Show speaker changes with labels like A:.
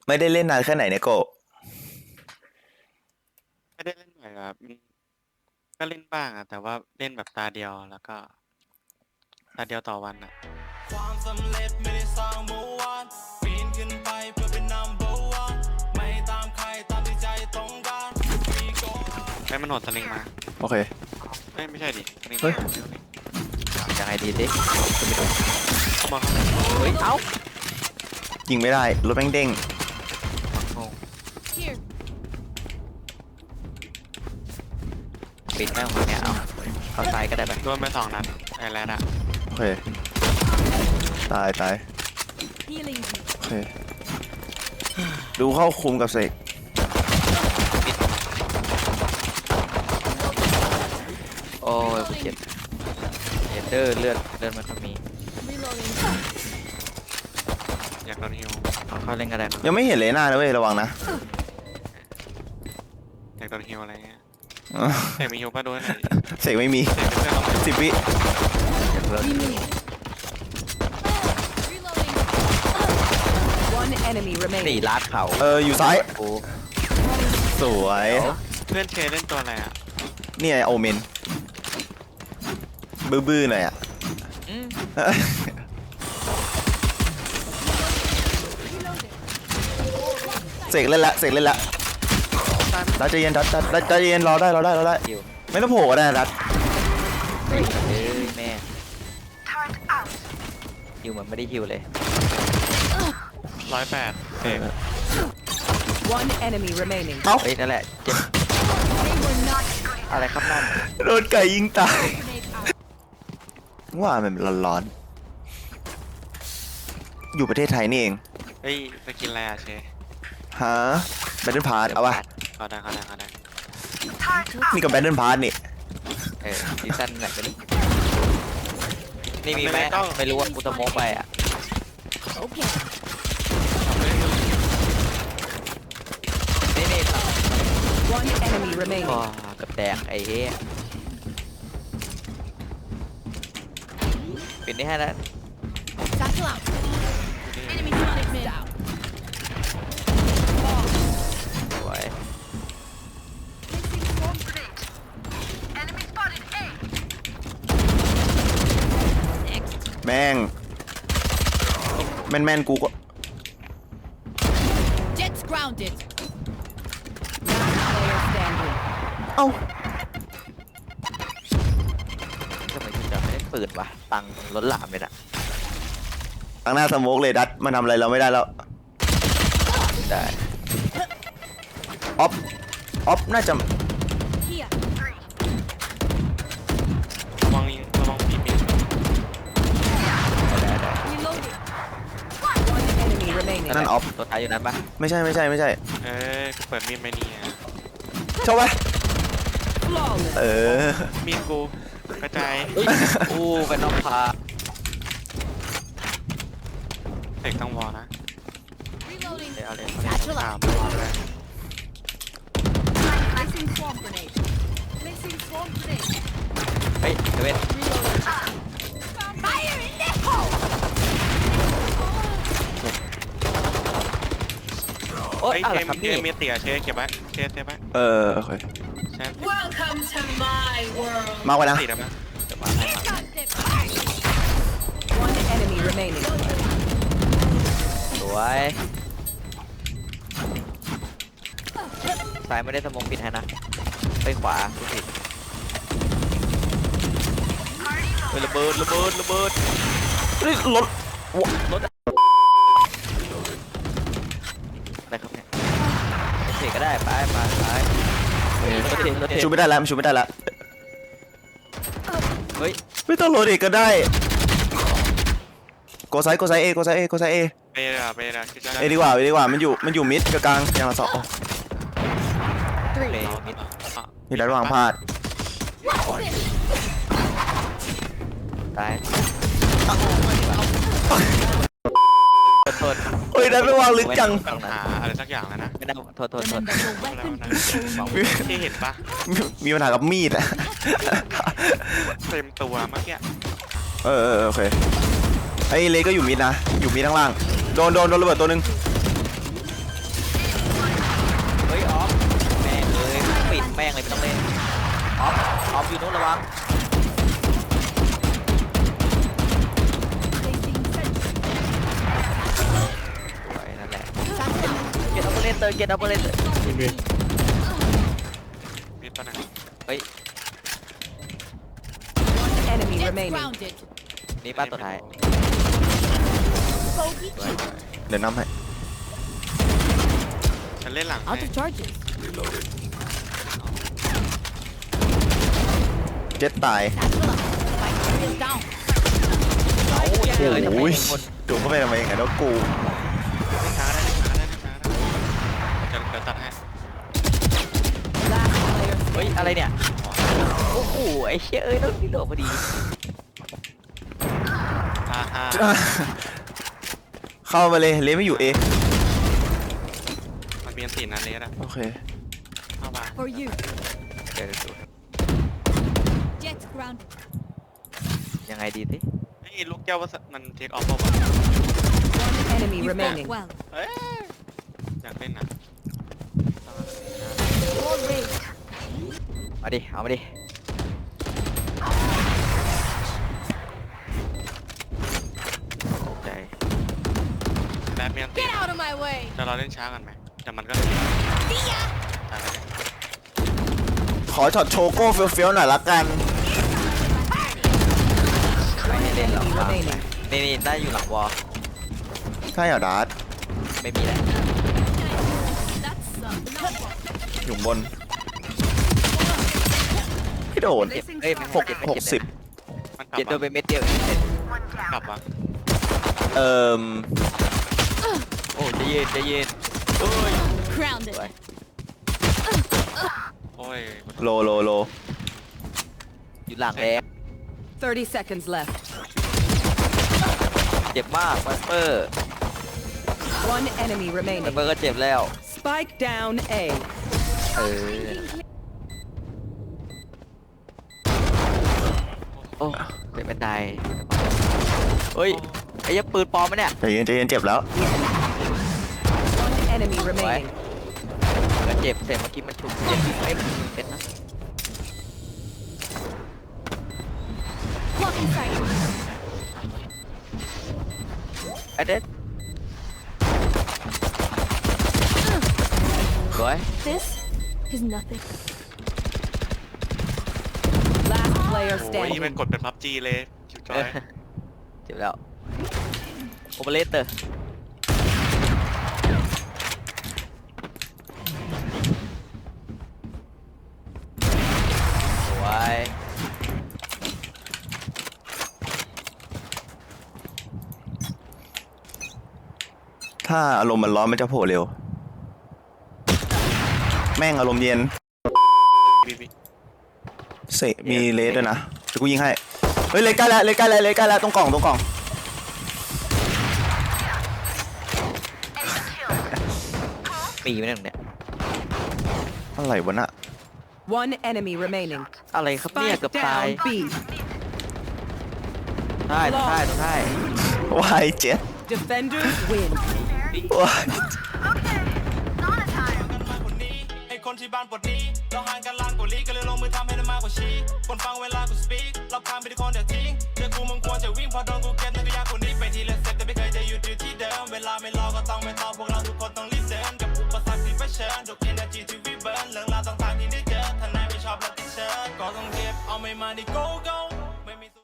A: ไม่ได้เล่นนานแค่ไหนเนี่ยโก
B: ไม่ได้เล่นบ่อยครับก็เล่นบ้างอะแต่ว่าเล่นแบบตาเดียวแล้วก็ตาเดียวต่อวันอะ
C: ความสำเร็จไม่ได้สร้างเมื่อวานปีนขึ้นไปเพื่อเป็น number one ไม่ตามใครตามที่ใจต้องการมีโก
B: ไปมันโหดสลิงมา
A: โอเค
B: ไม่ใช่ดิสลิง
A: เฮ้ย
D: ยังไงดีดิ
B: เข้ามาเข้ามา
D: เฮ้ยเอ้า
A: ยิงไม่ได้รถแม่งเด้ง
D: งงปิดแม่งของเนี่ยเอาเข้าซ้ายก็ได้ไป
B: โดนไป2 นัดไอ้แรดอะ
A: โอเคตาย
E: Healing you.
A: โอเคดูเข้าคุมกับเสก
D: โอ้ยกูเจ็บเลือดเลือดมันก็มี
E: Reloading.
B: อยากโดนฮิว
D: เอาเข้าเล่นก็ได้ครับ
A: ยังไม่เห็นเลยหน้านะเว้ยระวังนะ
B: อยากโดนฮิวอะไรเงี้ย
A: อ๋อ
B: แต่มีฮิวป่ะด้วยหน่อย
A: เสกไม่มี
B: เสกเพื่อนเรา
A: 10 วิ
D: เลือด
E: Reloading. One enemy
D: สี่
E: remaining.
D: ลาดเขา
A: อยู่ซ้าย
D: กู
A: สวย
B: เพื่อนเชเล่นตัวอะไรอะ
A: เนี่ยโอเมนบื้อๆหน่อยอ่ะ
D: อืม
A: เสกเล่นละดัดใจเย็นดัดใจเย็นรอได้
D: หิว
A: ไม่ต้องโผล่ก็ได้นะดัด
D: เฮ้ยแม่หิวเหมือนไม่ได้หิวเลย
B: 108เสก
E: One enemy remaining.
A: เอ้า
D: เฮ้ยนั่นแหละเจ็บอะไรครับนั่น
A: โดนไก่ยิงตายว่ามันร้อนๆอยู่ประเทศไทยนี่เอง
B: เฮ้ยสกินอะไรอะเช
A: ฮะแบทเทิลพาร์เอาวะ
B: เขาได้
A: นี่กับแบทเทิลพาร์นี่
D: ซีซั่นไหนกันนี่มีไหมไม่รู้ว่ากูจะโมกไปอ่ะ
E: Okay.
D: นี่
E: One enemy
D: ก็
E: remaining.
D: กับแดงไอ้เหี้ยปิดนี่ให้แล้ว
E: Satchel out. Enemy spotted mid. Down.
D: สวย
A: แม่งแม่นกูก็
E: Jets grounded. Last player standing.
A: เอ้า
D: ทำไมคุณจะไม่ได้ปืนวะตังค์ล้นหลามเลยนะ
A: ตั้งหน้าสโมกเลยดัดมันทำอะไรเราไม่ได้แล้ว
D: ได้
A: ออฟน่าจะ
E: Here.
B: ระวังปีก
D: ได้
E: Reloading. One enemy remaining.
A: นั่นออฟ
D: ตัวท้ายอยู่นั้นปะ
A: ไม่ใช่
B: กูเปิดมีดไหมเนี่ย
A: ชอบปะ
E: Flawless.
B: มีดกูกระจาย
D: อู้เป็นน้องพา
B: เสกต้องวอลนะ
E: Reloading.
D: เอาเลย
E: Satchel
B: ถาม
E: out.
B: วอลเลย
E: Placing swarm grenade. Placing swarm grenade.
D: เฮ้ยเว้น
E: Reloading. Fire in the hole.
D: โอ๊ย
B: เฮ้ย
D: อะไร
B: เช
D: ครับ
B: ม
D: นี่
B: มีเตี๋ยเชเก็บไว้เชเก็บไว้
A: โอเค
B: เช
E: Welcome to my world.
A: มากไว้นะ
B: ติดแล้วนะ
E: One enemy remaining.
D: สวยซ้ายไม่ได้สมองปิดให้นะไปขวากูผิดเฮ้ยระเบิด
A: เฮ้ยรถ
D: อะไรครับเนี่ยเสกก็ได้ไปรถเท
A: ชูไม่ได้แล้วมันชูไม่ได้แล้ว
D: เฮ้ย
A: ไม่ต้องโหลดเอกก็ได้โกไซเอ
B: ไปเลยคิดจะ
A: เอดีกว่ามันอยู่มิดกับกลางอย่างละสอง
D: เมย์มิด
A: มีระหว่างพลาด
D: ตายโทษ
A: เฮ้ยดัดไปวางลึกจัง
B: ปัญหาอะไรสักอย่างแล้วนะ
D: ไม่ได้โทษ
E: Remember your
B: แล้ว
E: weapon
B: นะ
E: control.
B: ที่เห็นปะ
A: มีปัญหากับมีดอะ
B: เต็มตัวเมื่อกี้
A: โอเคไอ้เลก็อยู่มิดนะอยู่มิดข้างล่างโดนระเบิดตัวหนึ่ง
D: เลเตอร์เกตดับเบิลเลเตอร์
B: มีตัวนึง
D: เฮ้ย
F: Enemy
E: Jets
F: remaining.
E: grounded.
D: นี่ป้าตัวท้าย
E: Bogey.
A: เดี๋ยวนำให้
B: ฉันเล่นหลังให้
E: Out of charges.
A: เจ็ดตาย
E: Satchel out. Spike is down.
D: เจอทำไม
A: โอ้ย
D: คน
A: ดูเข้าไปทำไมอย่างนั้นวะกู
B: เล่นขาได้เล่นขาได้เล่นขาได้เดี๋ยวตัดให้
F: Last player
D: เฮ้ย อะไรเนี่ย โอ้โห ไอ้เชี่ยเอ้ยต้องนี่โดดพอดี
A: เข้ามาเลยเลไม่อยู่เอ
B: มันมีอันตีนะเลสอะ
A: โอเค
B: เข้ามา
E: For you.
D: เดี๋ยวดู
E: Jets grounded.
D: ยังไงดีสิ
B: ไอ้ลูกแก้วว่ามันเทคออฟป่าวะ
F: enemy
E: You fought
F: remaining.
E: well.
B: เอ้ยอยากเล่นนะ
E: All raised.
D: มาดิ เอามาดิ ตกใจ
B: แบบมีอันตี
E: Get out of my way.
B: จะเราเล่นช้ากันไหมแต่มันก็
E: See ya.
B: ตายไปเลย
A: ขอช็อตโชโก้เฟี้ยวๆหน่อยละกัน
D: ไม่ให้เล่นหรอก
F: Enemy
D: วาง
F: remaining.
D: นี่นี่ได้อยู่หลังวอล
A: ใช่เหรอดาร์ต
D: ไม่มีแหละ
E: That's number.
A: อยู่บนพี่โดน
D: เจ็บเอ้ยไม่
A: หก
D: เจ็บไม่
A: หก
D: เจ็บ
A: สิบ
B: มันกลับ
D: เจ็บโดนไป
B: วะ
D: เม็ดเดียวเองเจ็บ
B: กลับวะ
A: เอ่ม
D: โอ้ใจเย็นใจเย็นโอ้ย
E: Grounded.
D: สวย
B: โอ้ย
A: โล
D: อยู่หลังแล้ว
F: 30 seconds left.
D: เจ็บมากไวเปอร์
F: One enemy
D: ไว
F: remaining.
D: เปอร์ก็เจ็บแล้ว
F: Spike down A.
D: เออ โอ้เจ็บเป็นไดเฮ้ย ไอ้ยักษ์ปืนปลอมมะเนี่ย
A: ใจเย็นเจ็บแล้ว
F: One enemy remaining.
D: ก็เจ็บเสร็จเมื่อกี้มันฉุกเจ็บไอ้มันเจ็บนะ
E: Blocking sight.
D: ไอ้เด็ดสวย
E: This is nothing.
F: Last player
B: โอ้ยมัน
F: standing.
B: กดเป็นพับจีเลยคิวจอย
D: เจ็บแล้วโอเปอเรเตอร์สวย
A: ถ้าอารมณ์มันร้อนมันจะโผล่เร็ว แม่งอารมณ์เย็น
B: บีบี
A: เสะมีเลสด้วยนะเดี๋ยวกูยิงให้ เฮ้ยเลสใกล้แล้วเลสใกล้แล้วตรงกล่อง
D: ปีไม่ได้ตรงเนี้ย
A: อะไรวะน่ะ
F: One enemy remaining.
D: อะไรครับเนี่ย
F: Spike
D: เกือบตาย
F: down B.
D: ได้ต้องได้ต้องได้
A: วายเจ็ด
F: Defenders win.
A: วาย
C: ไอ้คนที่บ้านปวดนี้เราห่างกันล้านกว่าลี้ก็เลยลงมือทำให้ได้มากกว่าชี้คนฟังเวลากูสปีกเราพานไปที่คนเดียวทิ้งเจอกูมึงควรจะวิ่งพอโดนกูเก็บนั่นก็ยากกว่านี้ไปทีละสเต็ปแต่ไม่เคยจะหยุดอยู่ที่เดิมเวลาไม่รอก็ต้องไม่ต่อพวกเราทุกคนต้องรีบเดินกับอุปสรรคที่เผชิญทุก energy ที่วิเบิร์นเรื่องราวต่างๆที่ได้เจอถ้านายไม่ชอบแล้วติดเชื้อก็ต้องเก็บเอาไม่มาที่ go go